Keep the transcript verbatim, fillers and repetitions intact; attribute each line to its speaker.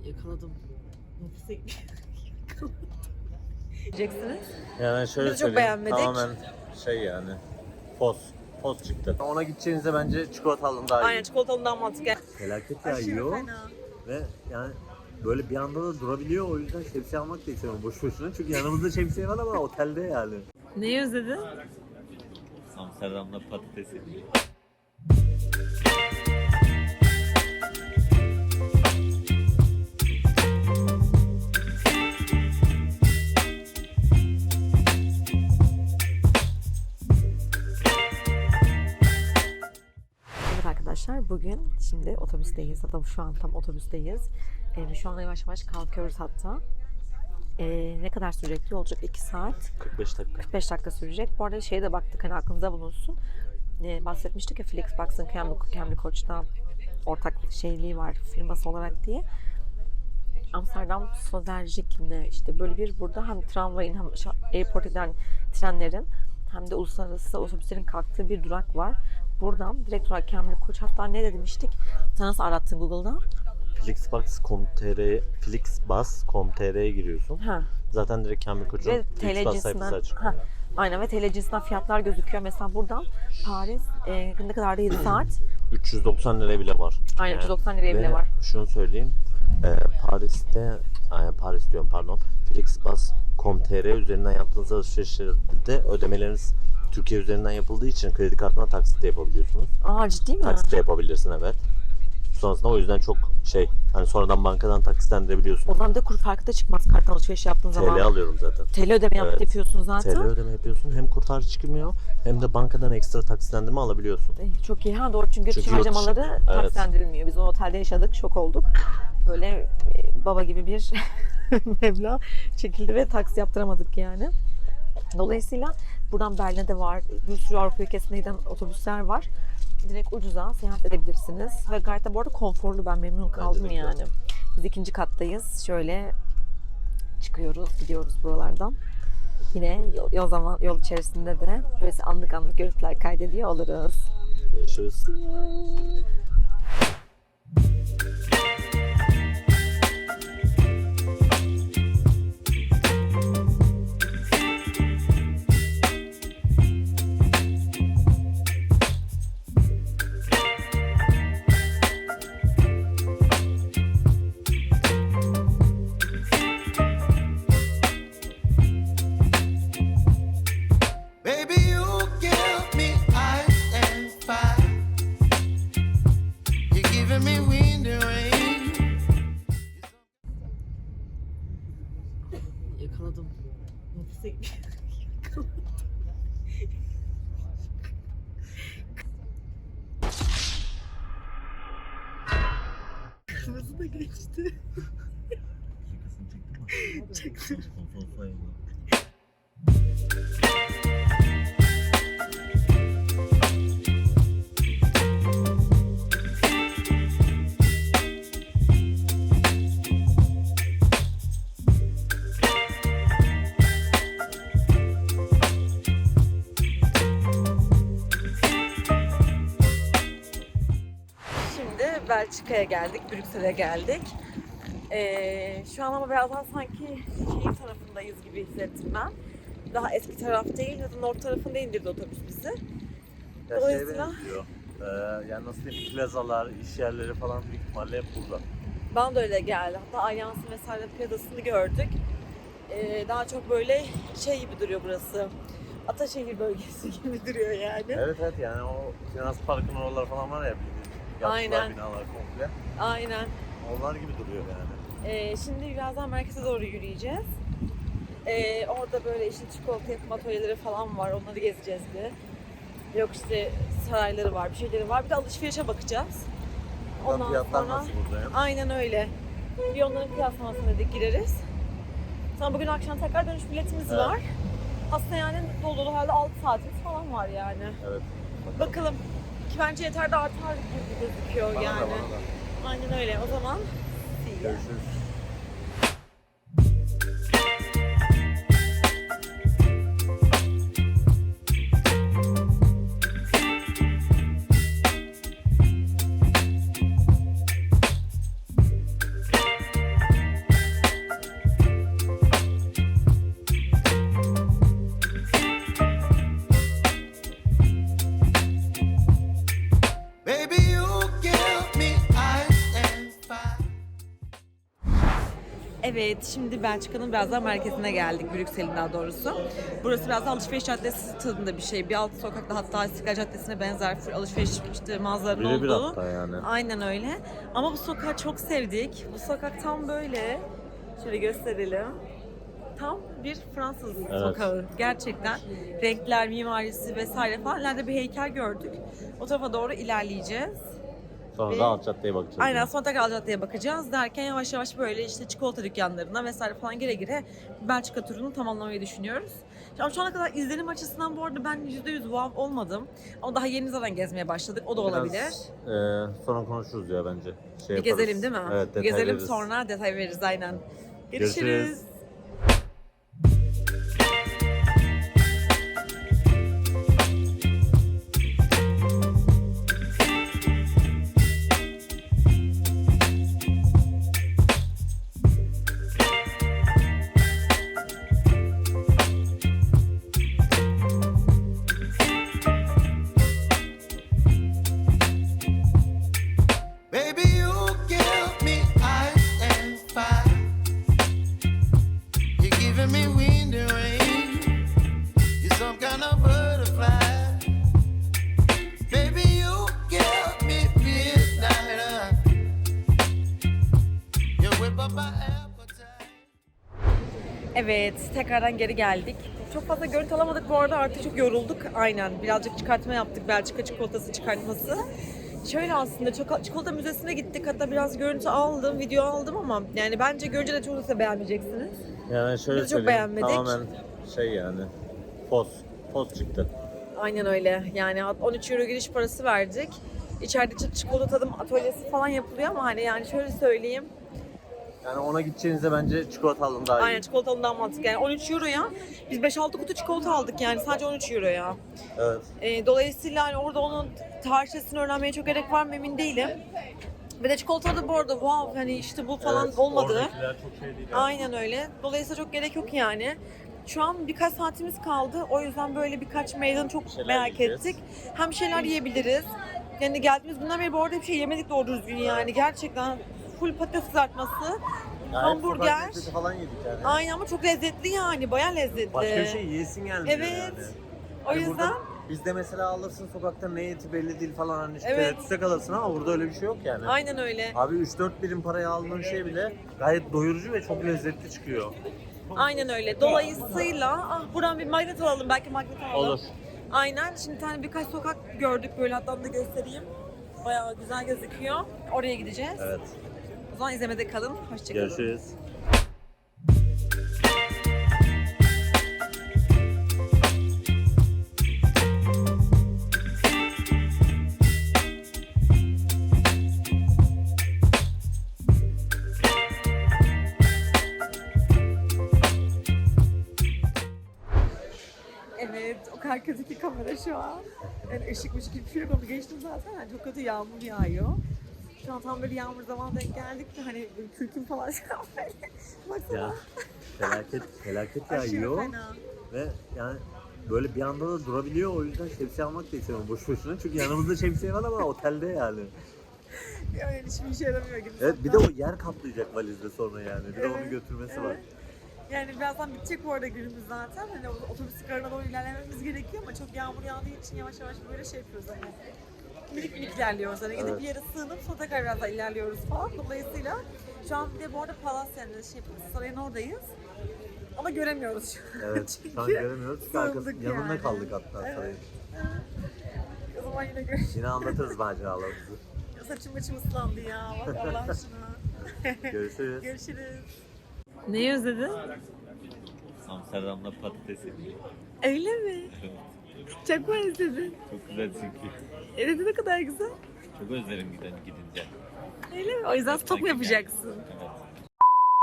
Speaker 1: Yakaladım. Nefise
Speaker 2: Diyeceksiniz.
Speaker 3: Yani şöyle
Speaker 2: Biz çok
Speaker 3: söyleyeyim,
Speaker 2: beğenmedik.
Speaker 3: tamamen şey yani poz. Poz çıktı. Ona gideceğinize bence çikolatalının daha iyi.
Speaker 2: Aynen, çikolatalından mantıklı.
Speaker 3: Felaket
Speaker 2: Aşırı
Speaker 3: yağıyor
Speaker 2: fena.
Speaker 3: ve yani böyle bir anda da durabiliyor, o yüzden şemsiye almak da istemiyorum boş boşuna. Çünkü yanımızda şemsiye var ama otelde yani.
Speaker 2: Neyi özledin?
Speaker 3: Amsterdam'da patatesi.
Speaker 2: Evet arkadaşlar, bugün şimdi otobüsteyiz. Hatta şu an tam otobüsteyiz. Ee, şu anda yavaş yavaş kalkıyoruz hatta. Ee, ne kadar sürecek? Yolculuk iki saat.
Speaker 3: kırk beş dakika.
Speaker 2: kırk beş dakika sürecek. Bu arada şeye de baktık, hani aklınıza bulunsun. Ee, bahsetmiştik ya, Flixbugs'ın Cambly, Cambly Koç'ta ortak şeyliği var firması olarak diye. Amsterdam Sloterjik'le işte böyle bir burada hem tramvayın hem airport eden trenlerin hem de uluslararası otobüslerin kalktığı bir durak var. Buradan direkt olarak Cambly Koç, hatta ne demiştik? Sen nasıl arattın Google'da?
Speaker 3: Flixbus nokta com nokta tr Flixbus nokta com nokta tr'ye giriyorsun.
Speaker 2: Ha.
Speaker 3: Zaten direkt Cambly Koç'un
Speaker 2: Ve T L
Speaker 3: Flixbus sayfası
Speaker 2: cinsinden,
Speaker 3: açık.
Speaker 2: ha, aynen, ve T L cinsinden fiyatlar gözüküyor. Mesela buradan Paris e, ne kadar da yedi saat.
Speaker 3: üç yüz doksan liraya bile var.
Speaker 2: Aynen, üç yüz doksan liraya bile var.
Speaker 3: Şunu söyleyeyim. E, Paris'te, yani Paris diyorum pardon. Flixbus nokta com nokta tr üzerinden yaptığınız alışverişlerde ödemeleriniz Türkiye üzerinden yapıldığı için kredi kartına taksit de yapabiliyorsunuz.
Speaker 2: Aa, ciddi mi?
Speaker 3: Taksit de yapabilirsin, evet. Sonrasında o yüzden çok şey, hani sonradan bankadan taksitlendirebiliyorsun.
Speaker 2: O zaman da kur farkı da çıkmaz kart alışveriş yaptığın zaman.
Speaker 3: T L alıyorum zaten.
Speaker 2: T L ödeme yap-
Speaker 3: Evet.
Speaker 2: yapıyorsun zaten.
Speaker 3: T L ödeme yapıyorsun. Hem kurtarı çıkmıyor hem de bankadan ekstra taksitlendirme alabiliyorsun.
Speaker 2: Eh, Çok iyi. Ha, doğru, çünkü,
Speaker 3: Çünkü
Speaker 2: çünkü
Speaker 3: yurt dışı-
Speaker 2: harcamaları
Speaker 3: evet.
Speaker 2: taksitlendirilmiyor. Biz o otelde yaşadık, şok olduk. Böyle e, baba gibi bir meblağ çekildi ve taksi yaptıramadık yani. Dolayısıyla buradan Berlin'e de var. Bir sürü Avrupa ülkesine giden otobüsler var. Direkt ucuza seyahat edebilirsiniz. Ve gayet de bu arada konforlu. Ben memnun kaldım
Speaker 3: de
Speaker 2: yani. Biz ikinci kattayız. Şöyle çıkıyoruz, gidiyoruz buralardan. Yine yol, yol zaman yol içerisinde de böyle anlık anlık görüntüler kaydediyor oluruz.
Speaker 3: Görüşürüz.
Speaker 4: Baby, you give me ice and fire. You're giving me wind and rain.
Speaker 1: yakaladım. Nefise Kırmızı da geçti. Çektim.
Speaker 2: Şimdi Belçika'ya geldik, Brüksel'e geldik. Ee, şu an ama birazdan sanki şehir tarafındayız gibi hissettim ben. Daha eski taraf değil, zaten orta tarafında indirdi otobüs bizi.
Speaker 3: Ya şeye
Speaker 2: Dolayısıyla-
Speaker 3: benziyor. Ee, yani nasıl diyeyim, plazalar, iş yerleri falan büyük ihtimalle hep burada.
Speaker 2: Bana da öyle geldi. Hatta Allianz'ın vesaire plazasını gördük. Ee, daha çok böyle şey gibi duruyor burası. Ataşehir bölgesi gibi duruyor yani.
Speaker 3: Evet evet, yani o finans parkın oralar falan var ya, bildiğin yapılar,
Speaker 2: Aynen.
Speaker 3: binalar komple.
Speaker 2: Aynen.
Speaker 3: Onlar gibi duruyor yani.
Speaker 2: Ee, şimdi birazdan merkeze doğru yürüyeceğiz. Ee, orada böyle işte çikolata yapım atölyeleri falan var. Onları gezeceğiz bir. Yok işte sarayları var, bir şeyleri var. Bir de alışverişe bakacağız.
Speaker 3: Ondan
Speaker 2: Ondan
Speaker 3: fiyatlar
Speaker 2: sonra
Speaker 3: nasıl burada ya?
Speaker 2: aynen öyle. Bir onların kıyaslamasına dedik, gireriz. Sonra bugün akşam tekrar dönüş biletimiz
Speaker 3: Evet.
Speaker 2: var. Aslında yani dolu dolu halde altı saatimiz falan var yani.
Speaker 3: Evet.
Speaker 2: Bakalım. Ki bence yeter de artar gibi gözüküyor
Speaker 3: Bana
Speaker 2: yani.
Speaker 3: da, bana da.
Speaker 2: Aynen öyle. O zaman see ya.
Speaker 3: Görüşürüz.
Speaker 2: Evet, şimdi Belçika'nın biraz daha merkezine geldik, Brüksel'in daha doğrusu. Burası biraz da alışveriş caddesi tadında bir şey. Bir alt sokakta, hatta İstiklal Caddesi'ne benzer full alışveriş işte mağazaların
Speaker 3: Birebir
Speaker 2: olduğu.
Speaker 3: hatta yani.
Speaker 2: Aynen öyle. Ama bu sokağı çok sevdik. Bu sokak tam böyle, şöyle gösterelim. Tam bir Fransız
Speaker 3: Evet.
Speaker 2: sokağı. Gerçekten renkler, mimarisi vesaire falan. İleride bir heykel gördük. O tarafa doğru ilerleyeceğiz.
Speaker 3: Sonra
Speaker 2: Ve-
Speaker 3: da alt caddeye bakacağız.
Speaker 2: Aynen,
Speaker 3: yani.
Speaker 2: sonra tekrar caddeye bakacağız derken yavaş yavaş böyle işte çikolata dükkanlarına vesaire falan gire gire Belçika turunu tamamlamayı düşünüyoruz. Ama şu ana kadar izlenim açısından bu arada ben yüzde yüz wow olmadım. Ama daha yeni zaten gezmeye başladık. O da
Speaker 3: Biraz,
Speaker 2: olabilir.
Speaker 3: e, sonra konuşuruz ya bence. Şey
Speaker 2: Bir
Speaker 3: yaparız.
Speaker 2: gezelim değil mi?
Speaker 3: Evet, detay
Speaker 2: Gezelim
Speaker 3: veririz.
Speaker 2: sonra detay veririz aynen. Görüşürüz.
Speaker 3: Görüşürüz.
Speaker 4: Baby, you give me ice and fire. You're giving me wind and rain. You're some kind of butterfly. Baby, you give me midnight. You whip up my appetite.
Speaker 2: Evet, tekrardan geri geldik. Çok fazla görüntü alamadık bu arada, artık çok yorulduk. Aynen, birazcık çıkartma yaptık, Belçika çikolatası çıkartması. Şöyle aslında çok, çikolata müzesine gittik, hatta biraz görüntü aldım, video aldım ama yani bence görünce de çok da beğenmeyeceksiniz.
Speaker 3: Yani şöyle
Speaker 2: Biz çok
Speaker 3: söyleyeyim,
Speaker 2: beğenmedik.
Speaker 3: tamamen şey yani poz, poz çıktı.
Speaker 2: Aynen öyle, yani on üç euro giriş parası verdik. İçeride çi- çikolata tadım atölyesi falan yapılıyor ama hani yani şöyle söyleyeyim.
Speaker 3: Yani ona gideceğinize bence çikolata alın daha iyi.
Speaker 2: Aynen, çikolatanın daha mantıklı. Yani on üç euroya biz beş altı kutu çikolata aldık yani, sadece on üç euroya.
Speaker 3: Evet.
Speaker 2: E, dolayısıyla hani orada onun tarihçesini öğrenmeye çok gerek var mı emin değilim. Ve de çikolata da bu arada wow hani işte bu falan
Speaker 3: Evet,
Speaker 2: olmadı.
Speaker 3: oradakiler çok şey değil. yani.
Speaker 2: Aynen öyle. Dolayısıyla çok gerek yok yani. Şu an birkaç saatimiz kaldı. O yüzden böyle birkaç meydanı çok
Speaker 3: şeyler
Speaker 2: merak
Speaker 3: yiyeceğiz.
Speaker 2: ettik. Hem şeyler yiyebiliriz. Yani geldiğimiz günden beri bu arada bir şey yemedik doğru düzgün yani. Gerçekten full patates kızartması,
Speaker 3: Yani
Speaker 2: hamburger.
Speaker 3: sokak lezzeti falan yedik yani.
Speaker 2: Aynen ama çok lezzetli yani. Bayağı lezzetli.
Speaker 3: Başka bir şey yiyesin gelmiyor
Speaker 2: Evet.
Speaker 3: yani.
Speaker 2: O
Speaker 3: Hani
Speaker 2: yüzden
Speaker 3: burada bizde mesela alırsın sokakta ne eti belli değil falan hani işte
Speaker 2: Evet.
Speaker 3: tereddütte kalırsın ama burada öyle bir şey yok yani.
Speaker 2: aynen öyle.
Speaker 3: Abi üç dört birim paraya aldığın şey bile gayet doyurucu ve çok lezzetli çıkıyor.
Speaker 2: Aynen öyle. Dolayısıyla ah buradan bir magnet alalım. Belki magnet alalım.
Speaker 3: Olur.
Speaker 2: Aynen. Şimdi tane birkaç sokak gördük böyle, hatta onu da göstereyim. Bayağı güzel gözüküyor. Oraya gideceğiz.
Speaker 3: Evet.
Speaker 2: O zaman izlemede kalın. Hoşçakalın.
Speaker 3: Görüşürüz.
Speaker 2: Evet, o kadar kötü ki kamera şu an. Yani ışıkmış gibi bir şey yok, onu geçtim zaten. Yani çok kötü yağmur yağıyor. Şu an tam böyle yağmur zamanı denk geldik de hani böyle kürküm falan şu an böyle. Baksana.
Speaker 3: Ya felaket felaket
Speaker 2: Aşırı
Speaker 3: yağıyor
Speaker 2: fena.
Speaker 3: ve yani böyle bir anda da durabiliyor, o yüzden şemsiye almak da istemiyorum boş boşuna çünkü yanımızda şemsiye var ama otelde yani.
Speaker 2: Yani hiçbir işe yaramıyor gibi.
Speaker 3: Evet, bir de o yer kaplayacak valizde sonra yani, bir de onu
Speaker 2: Evet,
Speaker 3: götürmesi var.
Speaker 2: evet. Yani birazdan bitecek bu arada günümüz zaten. Hani otobüs garına doğru ilerlememiz gerekiyor ama çok yağmur yağdığı için yavaş yavaş böyle şey yapıyoruz hani. Minik minik ilerliyoruz hani. Gidip
Speaker 3: Evet.
Speaker 2: bir yere sığınıp sonra tekrar biraz daha ilerliyoruz falan. Dolayısıyla şu an bir de bu arada Palas yani şey sarayın oradayız. Ama göremiyoruz şu an.
Speaker 3: Evet, şu an
Speaker 2: Çünkü
Speaker 3: göremiyoruz çünkü arkası,
Speaker 2: sığındık
Speaker 3: yanında
Speaker 2: yani.
Speaker 3: kaldık hatta
Speaker 2: Evet.
Speaker 3: sarayın.
Speaker 2: O zaman yine görüşürüz.
Speaker 3: Yine anlatırız maceralarımızı.
Speaker 2: Saçım başım ıslandı ya. Bak Allah aşkına.
Speaker 3: Görüşürüz.
Speaker 2: Görüşürüz. Neyi özledin?
Speaker 3: Amsterdam'da patates yedik.
Speaker 2: Öyle mi? Çok mu özledin?
Speaker 3: Çok güzel çünkü.
Speaker 2: Evet, ne kadar güzel.
Speaker 3: Çok özlerim giden gidince.
Speaker 2: Öyle mi? O yüzden stok mu yapacaksın?
Speaker 3: Evet.